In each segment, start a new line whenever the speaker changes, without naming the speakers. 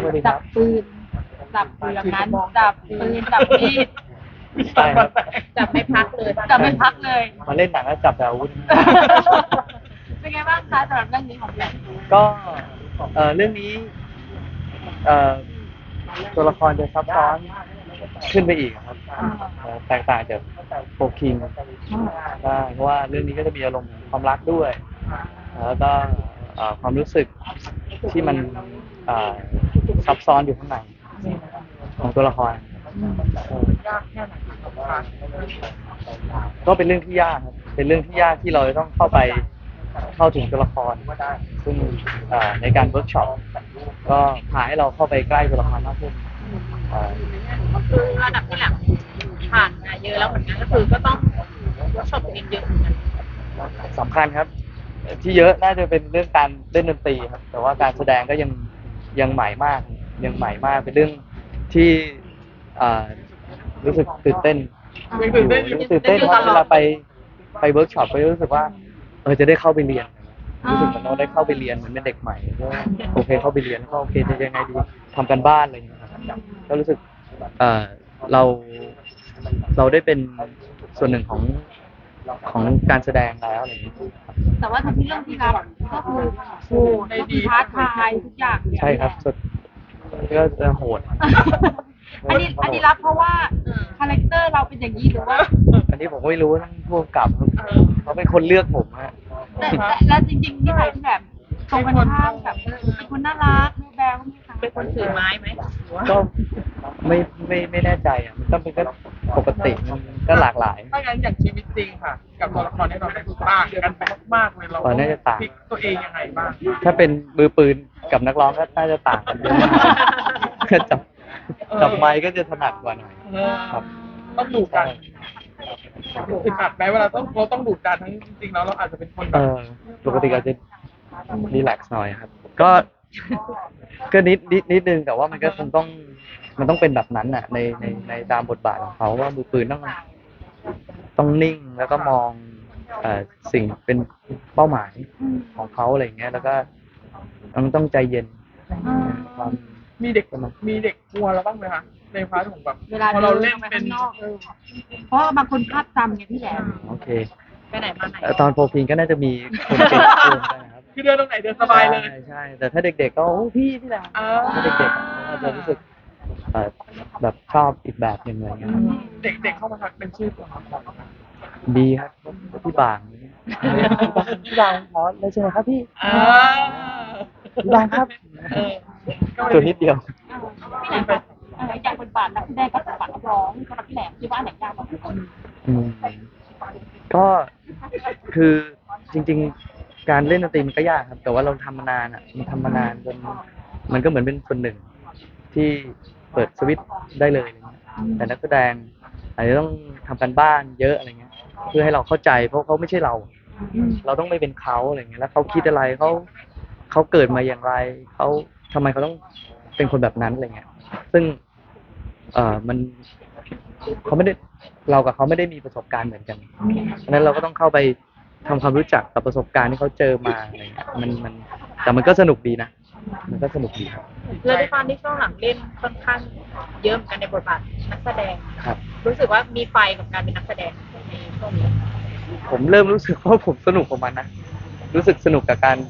จับปืนจับอยู่อย่างนั้นจับปืนจับมีด
ใช่ครับ
จับไม่พักเลยจับไม่พักเลย
มาเล่นหนังแล้วจับแต่อาวุธ
เป็นไงบ้างคะสำหรับเรื่องนี้ของพี่แหลม
ก็เรื่องนี้เอ่อตัวละครจะซับซ้อนขึ้นไปอีกครับแตกต่างจากโฟคิงได้เพราะว่าเรื่องนี้ก็จะมีอารมณ์ความรักด้วยแล้วก็ความรู้สึกที่มันซับซ้อนอยู่ข้างในของตัวละคร
ยากแค่ไหนครับ
ก็เป็นเรื่องที่ยากครับเป็นเรื่องที่ยากที่เราจะต้องเข้าถึงตัวละครซึ่งในการเวิร์กช็อปก็พาให้เราเข้าไปใกล้ตัวละครมากขึ้น
คือระดับที่แหลมผ่านมาเยอะแล้วเหมือนกันก็คือก็ต้องเวิร์กช็อปตัวเองเยอะเหมือนกัน
สำคัญครับที่เยอะน่าจะเป็นเรื่องการเล่นดนตรีครับแต่ว่าการแสดงก็ยังใหม่มากเป็นเรื่องที่รู้สึกตื่นเต้นครับเวลาไปเวิร์กช็อปก็รู้สึกว่าจะได้เข้าไปเรียนรู้สึกเหมือนเราได้เข้าไปเรียนเหมือนเป็นเด็กใหม่ก็โอเคเข้าไปเรียนก็โอเคจะยังไงดีทำกันบ้านอะไรอย่างเงี้ยครับก็รู้สึกเราได้เป็นส่วนหนึ่งของการแสดงแล้วอะไรอย่างเงี้ย
แต่ว่าทั้งที่เรื่องที่รับก็คือโหดก็คือท้าทายทุกอย่าง
ใช่ครับสุดก็จะโหด
อันนี้รับเพราะว่าคาแรคเตอร์เราเป็นอย่างนี้หรือว่า
อันนี้ผมไม่รู้ทั้งพวกกับเขาเป็นคนเลือกผมฮะ
แล้วจริงๆนิสัยที่แบบตรงกันข้ามกับเป็นคนน่ารักแบ๊วไหมคะเป็นคนถือไม้ไหม
ก็ไม่แน่ใจอ่ะมันก็เป็นก็ปกติมันก็หลากหลาย
ถ้างั้นอย่างชีวิตจริงค่ะกับตัวละครที่เราได้ต่างกันแบบมากเลยเรา
น่าจะต่าง
พลิกตัวเองยังไงบ้าง
ถ้าเป็นมือปืนกับนักร้องก็น่าจะต่างกันเยอะจับไมค์ก็จะถนัดกว่าหน่อยครับ
ต้องดุดันอึดอัดไหมเวลาเราต้องดุดันทั้งจริงๆแล้วเราอาจจะเป็นคนแบบ
ปกติอาจจะรีแลกซ์หน่อยครับก็นิดนึงแต่ว่ามันก็คงมันต้องเป็นแบบนั้นน่ะในตามบทบาทของเขาว่ามือปืนต้องนิ่งแล้วก็มองสิ่งเป็นเป้าหมายของเขาอะไรอย่างเงี้ยแล้วก็ต้องใจเย็น
มีเด็กกลัวเราบ้างไหมคะในพาร์ทของแบบ
เวลา
เราเล่นเป็น
เพราะบางคนภาพจำไงพี่แหลม
โอเค
ไปไหนมาไหน
ตอนโฟกิงก็น่าจะมีคนเก่งนะครับ
คือเดินตรงไหนเดินสบายเลย
ใช่แต่ถ้าเด็กๆก็พี่แหละถ้าเด็กๆก็จะรู้สึกแบบชอบอีกแบบหนึ่งอะไรเงี้ย
เด็กๆเข้ามาทักเป็นชื่อตัวละคร
ดีครับพี่บางพี่บางขอเลยใช่ไหมครับพี่พี่บางครับตัวนิดเดียว
พี่แหลมจากบทบาทนักแสดงกับบทบาทนักร้องสำหรับพี่แหลมคิดว่าไหนยากกว่ากัน
ก็คือจริงๆการเล่นดนตรีมันก็ยากครับแต่ว่าเราทำมานานมันทำมานานจนมันก็เหมือนเป็นส่วนหนึ่งที่เปิดสวิตช์ได้เลยแต่นักแสดงอาจจะต้องทำการบ้านเยอะอะไรเงี้ยเพื่อให้เราเข้าใจเพราะเขาไม่ใช่เราต้องไม่เป็นเขาอะไรเงี้ยแล้วเขาคิดอะไรเขาเกิดมาอย่างไรเขาทำไมเขาต้องเป็นคนแบบนั้นอะไรเงี้ยซึ่งมันเขาไม่ได้เรากับเขาไม่ได้มีประสบการณ์เหมือนกันเพราะนั้นเราก็ต้องเข้าไปทำความรู้จักกับประสบการณ์ที่เขาเจอมาอะไรเงี้ยมันแต่มันก็สนุกดีนะมันก็สนุกดีครับ
เลยด้วยความที่ช่วงหลังเล่นค่อนข้างเยอะเหมือนกันในบทบาทนักแสดง
ครับ
รู้สึกว่ามีไฟกับการเป็นนักแสดงในช่วงนี้
ผมเริ่มรู้สึกว่าผมสนุกกับมันนะรู้สึกสนุกกับการ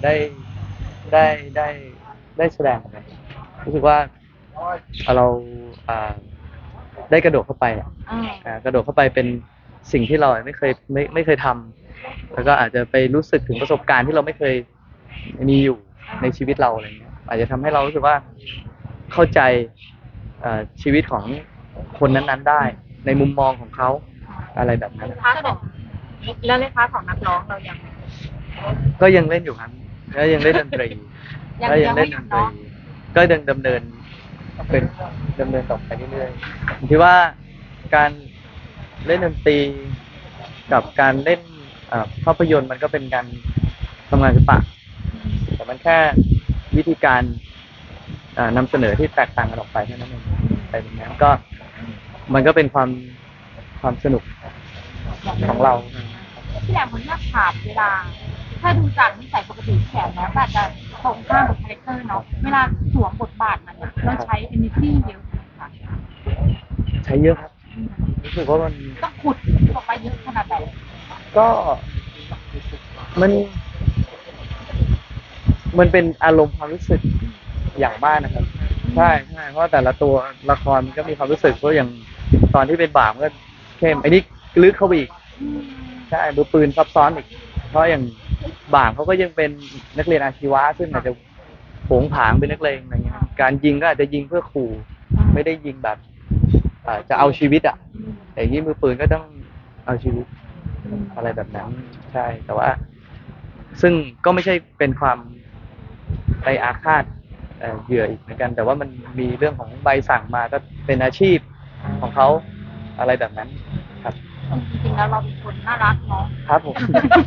ได้แสดงมันรู้สึกว่าเราได้กระโดดเข้าไปกระโดดเข้าไปเป็นสิ่งที่เราไม่เคยทำแล้วก็อาจจะไปรู้สึกถึงประสบการณ์ที่เราไม่เคยมีอยู่ในชีวิตเราอะไรเงี้ยอาจจะทำให้เรารู้สึกว่าเข้าใจชีวิตของคนนั้นๆได้ในมุมมองของเขาอะไรแบบนั้น
แล้วในพาร์ทของนักร้องเรา
ก็ยังเล่นอยู่ครับก็ยังเล่นดนตรีก็ยังเล่นดนตรีก็ยังดำเนินต่อไปเรื่อยๆผมคิดว่าการเล่นดนตรีกับการเล่นภาพยนตร์มันก็เป็นการทำงานศิลปะแต่มันแค่วิธีการนำเสนอที่แตกต่างกันออกไปเท่านั้นเองแต่อย่างนั้นก็มันก็เป็นความสนุกของเรา
พี่แหลมคนนี้ถามเวลาถ้าดูจากนิสัยปกติแขนแล้วอาจจะ
ตรงข้ามกับคาแรคเตอร์เนาะเวลาสวมบทบาทมันอะเราใช้ energy เยอะไหมคะ
ใช้เยอะครับรู้สึกว่ามัน
ต้องขุดออกไปเยอะขนาดไหน
ก็มันมันเป็นอารมณ์ความรู้สึกอย่างมากนะครับใช่ใช่เพราะว่าแต่ละตัวละครมันก็มีความรู้สึกเพราะอย่างตอนที่เป็นบ่าวมันก็เข้มไอ้นี่ลึกเข้าไปอีกใช่มือปืนซับซ้อนอีกเพราะอย่างบ่างเขาก็ยังเป็นนักเรียนอาชีวะซึ่งอาจจะโผงผางเป็นนักเลงอะไรเงี้ยการยิงก็อาจจะยิงเพื่อขู่ไม่ได้ยิงแบบจะเอาชีวิตอ่ะแต่อย่างนี้มือปืนก็ต้องเอาชีวิตอะไรแบบนั้นใช่แต่ว่า ซึ่งก็ไม่ใช่เป็นความไปอาฆาตเหยื่ออีกเหมือนกัน แต่ว่ามันมีเรื่องของใบสั่งมาก็เป็นอาชีพของเขาอะไรแบบนั้นครับ
จริงๆแล้วเราเป็นคนน่ารักเนาะ
ครับผม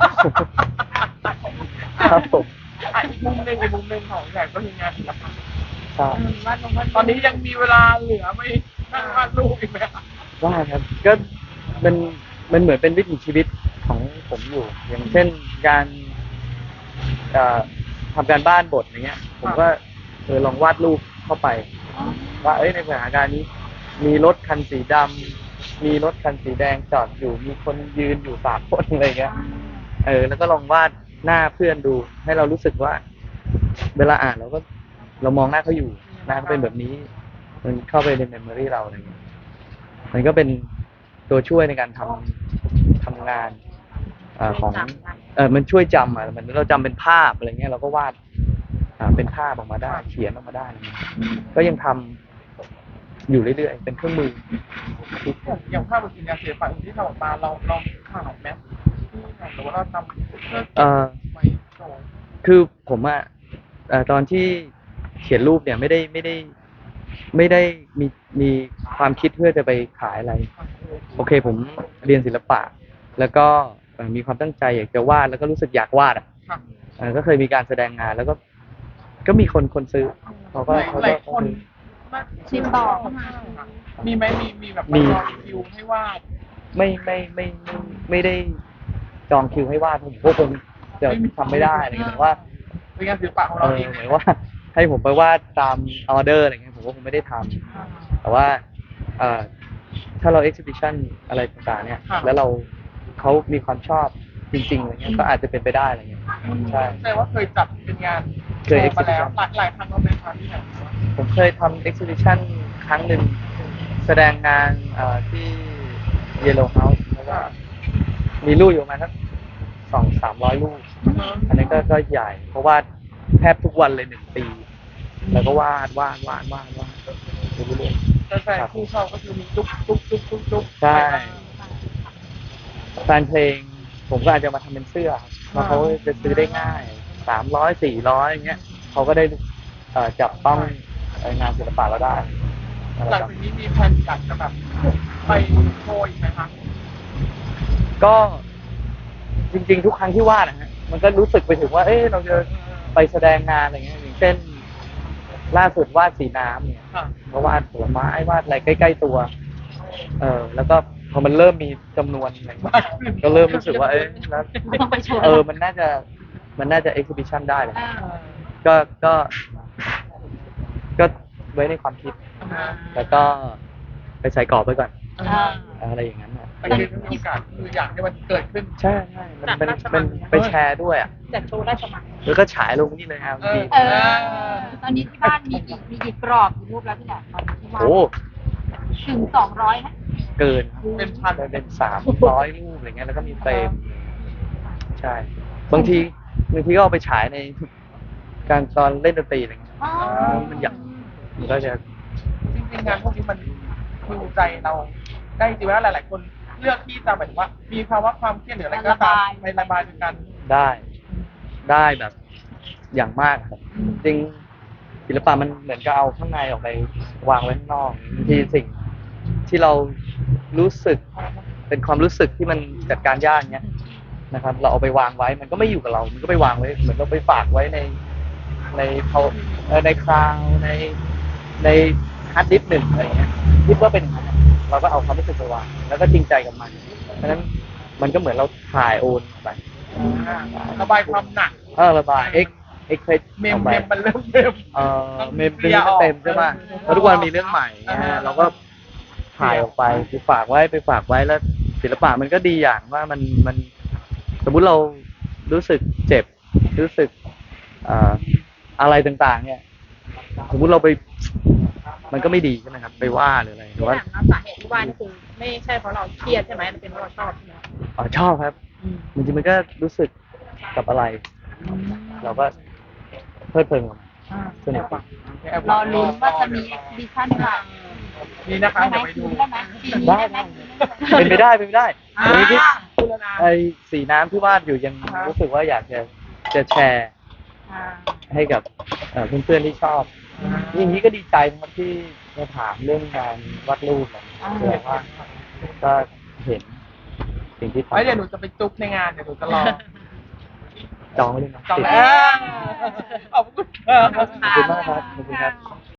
ครับผม
อีกมุมหนึ่งของแขกก็คืองานศิลปะ
ครับ
ตอนนี้ยังมีเวลาเหลือไม่นั่งวาดรูปอีกไหมครับ
ว่าครับก็มันมันเหมือนเป็นวิถีชีวิตของผมอยู่ อย่างเช่นการเอ่อทำการบ้านบทอย่างเงี้ย ผมก็ลองวาดรูปเข้าไป ว่าในสถานการณ์นี้มีรถคันสีดำมีรถคันสีแดงจอดอยู่มีคนยืนอยู่3 คนอะไรเงี้ยแล้วก็ลองวาดหน้าเพื่อนดูให้เรารู้สึกว่า เวลาอ่านเรามองหน้าเขาอยู่หน้าเขาเป็นแบบนี้ มันเข้าไปในเมมโมรีเราอะไรเงี้ยมันก็เป็นตัวช่วยในการทำงานของมันช่วยจำเหมือนเราจำเป็นภาพอะไรเงี้ยเราก็วาดเป็นภาพออกมาได้เขียนออกมาได้อะไรเงี้ยก็ยังทำอยู่เรื่อยๆเป็นเครื่องมือ
อย่างภาพบนงานศิลปะที่ทำออกมาเราขายไหมหรือว่าเราทำเพื่อ ไว้โชว์
คือผมตอนที่เขียนรูปเนี่ยไม่ได้มีความคิดเพื่อจะไปขายอะไร โอเคผมเรียนศิลปะ แล้วก็มีความตั้งใจอยากจะวาดแล้วก็รู้สึกอยากวาดก็เคยมีการแสดงงานแล้วก็มีคนซื้อเขาก็
หลายคน
ชิมต่อเข้ามา
มีไหมมีแบบ
มี
รอคิวให้วาด
ไม่ได้จองคิวให้วาดผมก็คงจะทำไม่ได้อะไรเงี้ยแต่ว่า
เป็นงานศิลปะของเราเอง
เหมือนว่าให้ผมไปวาดตามออเดอร์อะไรเงี้ยผมก็คงไม่ได้ทำแต่ว่าถ้าเรา exhibition อะไรต่างๆเนี่ยแล้วเขามีความชอบจริงๆอะไรเงี้ยก็อาจจะเป็นไปได้อะไรเงี้ยใช่
แต่ว่าเคยจัดเป็นงาน
เคย
โชว์มาแล้ว
exhibition
หลายครั้งแล้วไหมคะที่ไหน
ผมเคยทำ exhibition ครั้งหนึ่งแสดงงานที่ Yellow House แล้วก็มีรูปอยู่ประมาณสัก200-300 รูป อันนี้ก็ใหญ่ เพราะว่าแทบทุกวันเลย1 ปี แล้วก็วาดไปเรื่อย
แต่แฟนคู่เขาก็คือมีจุ๊บ
ๆใช่แฟนเพลงผมก็อาจจะมาทำเป็นเสื้อเพราะเขาจะซื้อได้ง่าย 300-400อย่างเงี้ยเขาก็ได้จับต้องงานศิลปะเราได้
หลังจากนี้มีแผนอยากจะแบบไปโชว์อีกไหมคะ
ก็จริงๆทุกครั้งที่วาดนะฮะมันก็รู้สึกไปถึงว่าเราจะไปแสดงงานอะไรเงี้ยอย่างเช่นล่าสุดวาดสีน้ำเนี่ย
ค่ะ
ก็วาดผลไม้วาดอะไรใกล้ๆตัวแล้วก็พอมันเริ่มมีจำนวนอะไรเงี้ยก็เริ่มรู้สึกว่าแล้ว
ต้องไปโชว์
มันน่าจะ exhibition ได้เลย
อ่า
ก็ไว้ในความคิด แล้วก็ไปใส่กรอบไว้ก่อน อะไรอย่างนั้นนะ
แต่คือมีโอกาสคืออยากให้มันเกิดขึ้น
ใช่มันไปแชร์ด้วยอ่ะ
จัดโชว์ได้สมัคร
แล้วก็ฉายลงนี่เลยครับดี
ตอนนี้ที่บ้านมีกี่กรอบกี่รูปแล้วพี่แหลมตอนนี้ที่บ้าน
โอ้
ถึง200นะ
เกิน
เป็นพัน
เป็น300 รูปอะไรเงี้ยแล้วก็มีเฟรมใช่ บางทีก็เอาไปฉายในการตอนเล่นดนตรีอะไรเงี้ย
อ๋อ
มันอยากมันก็จะ
จริงๆงานพวกนี้มันฮิวใจเราได้จริงๆว่าหลาย ๆ คนเลือกที่จะหมายถึงว่า มีภาวะความเครียดหรืออะไรก็ตามไประบายด้วยกัน
ได้แบบอย่างมากครับจริงศิลปะมันเหมือนกับเอาข้างในออกไปวางไว้ข้างนอกบางทีสิ่งที่เรารู้สึกเป็นความรู้สึกที่มันจัดการยากเนี้ยนะครับ เราเอาไปวางไว้มันก็ไม่อยู่กับเรา มันก็ไปวางไว้เหมือนเราไปฝากไว้ในในคลาวในฮาร์ดดิสก์หนึ่งอะไรเงี้ยคิดว่าเป็นอย่างนั้นเราก็เอาความรู้สึกไปวางแล้วก็จริงใจกับมันเพราะฉะนั้นมันก็เหมือนเราถ่ายโอนไป
ระบายความหนัก
ระบายเพรส
เมม
ออกไป
มันเริ่มเมม
เมมเป็นไม่เต็มใช่ป่ะเพราะทุกวันมีเรื่องใหม่นะฮะเราก็ถ่ายออกไปฝากไว้แล้วศิลปะมันก็ดีอย่างว่ามันสมมุติเรารู้สึกเจ็บรู้สึกอะไรต่างๆ เนี่ย สมมุติเราไป มันก็ไม่ดีใช่ไหมครับ ไปว่าหรืออะไรหรือ
ที่
ว่า
ถามนะสาเหตุที่ว่านี่คือไม่ใช่เพราะเราเครียดใช่ไหมมันเป็นเพราะเราชอบใช่ไหม
ชอบครับจริงๆมันก็รู้สึกกับอะไร เราก็เพลิดเพลินกับมันสนุกดี
รอลุ้นว่าจะมีเอ็กซิบิชันอะไร
นี่นะคะ
ได้ไหม
เดี๋ยวไปดู
ได้ไหมปีนี้
ได้
ได้ไหม
เป็นไปได้
อ่า
วันนี้ที่
พูดแล้วนะ
ไอ้สีน้ำที่วาดอยู่ยังรู้สึกว่าอยากจะแชร์
อ่า
ให้กับเพื่อนๆที่ชอบอย่างนี้ก็ดีใจนะครับที่มาถามเรื่องงานวาดรูปนะแสดงว่าก็เห็นสิ่งที่
ไว้เดี๋ยวห
ทำ
นูจะไปจุ๊บในงานเดี๋ยวหนูจะรอ
จองไว้เลยนะ
จอง
ติด
แล้วขอบคุณค่ะ
ขอบคุณมากครับขอบคุณครับ